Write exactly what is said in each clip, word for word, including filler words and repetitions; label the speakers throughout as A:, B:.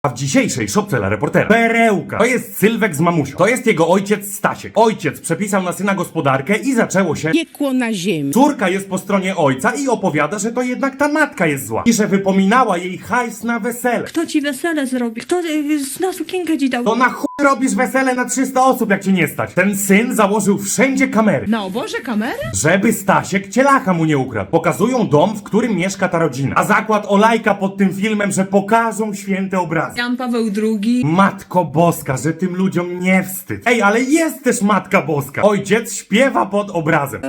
A: A w dzisiejszej szopce dla reportera perełka. To jest Sylwek z mamusią. To jest jego ojciec Stasiek. Ojciec przepisał na syna gospodarkę i zaczęło się
B: piekło na ziemi.
A: Córka jest po stronie ojca i opowiada, że to jednak ta matka jest zła. I że wypominała jej hajs na wesele.
C: Kto ci wesele zrobi? Kto y, na sukienkę ci dał?
A: To na chuj robisz wesele na trzysta osób, jak cię nie stać. Ten syn założył wszędzie kamery.
B: Na oborze kamery?
A: Żeby Stasiek cielacha mu nie ukradł. Pokazują dom, w którym mieszka ta rodzina. A zakład olajka pod tym filmem, że pokażą święte obrazy.
C: Jan Paweł drugi.
A: Matko Boska, że tym ludziom nie wstyd. Ej, ale jest też Matka Boska. Ojciec śpiewa pod obrazem.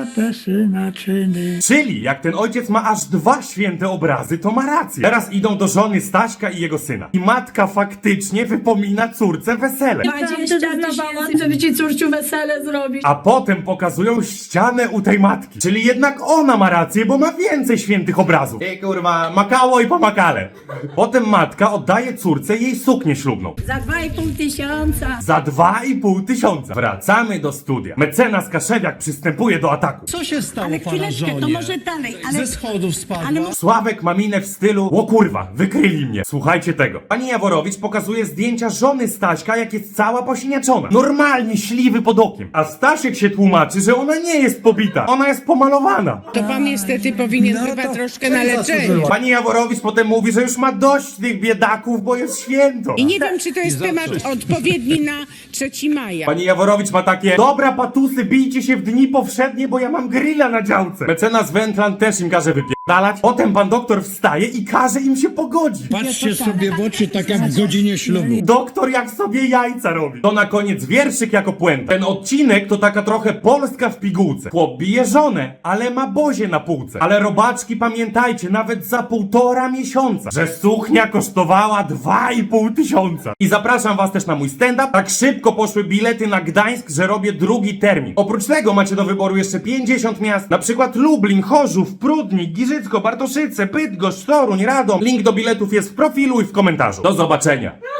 A: Czyli jak ten ojciec ma aż dwa święte obrazy, to ma rację. Teraz idą do żony Staśka i jego syna. I matka faktycznie wypomina córce wesele.
C: dwadzieścia tysięcy, żeby ci córciu wesele zrobić.
A: A potem pokazują ścianę u tej matki. Czyli jednak ona ma rację, bo ma więcej świętych obrazów. Ej kurwa, makało i pomakale. Potem matka oddaje córce jej suknię ślubną.
C: Za dwa i pół tysiąca.
A: Za dwa i pół tysiąca. Wracamy do studia. Mecenas Kaszewiak przystępuje do ataku.
D: Co się stało
C: Ale
D: pana
C: chwileczkę,
D: żonie?
C: to może dalej, ale...
D: Ze schodów spadła?
C: Ale-
A: Sławek ma minę w stylu: o kurwa, wykryli mnie. Słuchajcie tego. Pani Jaworowicz pokazuje zdjęcia żony Staśka, jak jest cała posiniaczona. Normalnie śliwy pod okiem. A Stasiek się tłumaczy, że ona nie jest pobita. Ona jest pomalowana.
B: To pan niestety powinien
D: No
B: chyba
D: to
B: troszkę
D: czego
B: na leczenie.
D: zasłużyła?
A: Pani Jaworowicz potem mówi, że już ma dość tych biedaków, bo jest święto.
B: I nie wiem, czy to jest
D: I za
B: temat
D: wszystko.
B: odpowiedni na trzeci maja.
A: Pani Jaworowicz ma takie: dobra patusy, bijcie się w dni powszednie, bo ja mam grilla na działce. Mecenas Wętlan też im każe wypierdalać. Potem pan doktor wstaje i każe im się pogodzić.
D: Patrzcie sobie w oczy, tak jak w godzinie ślubu.
A: Doktor jak sobie jajca robi. To na koniec wierszyk jako puenta. Ten odcinek to taka trochę Polska w pigułce. Chłop bije żonę, ale ma bozie na półce. Ale robaczki, pamiętajcie, nawet za półtora miesiąca, że suchnia kosztowała dwa i pół tysiąca. I zapraszam was też na mój stand-up. Tak szybko poszły bilety na Gdańsk, że robię drugi termin. Oprócz tego macie do wyboru jeszcze pięćdziesiąt miast, na przykład Lublin, Chorzów, Prudnik, Giżycko, Bartoszyce, Bydgoszcz, Toruń, Radom. Link do biletów jest w profilu i w komentarzu. Do zobaczenia.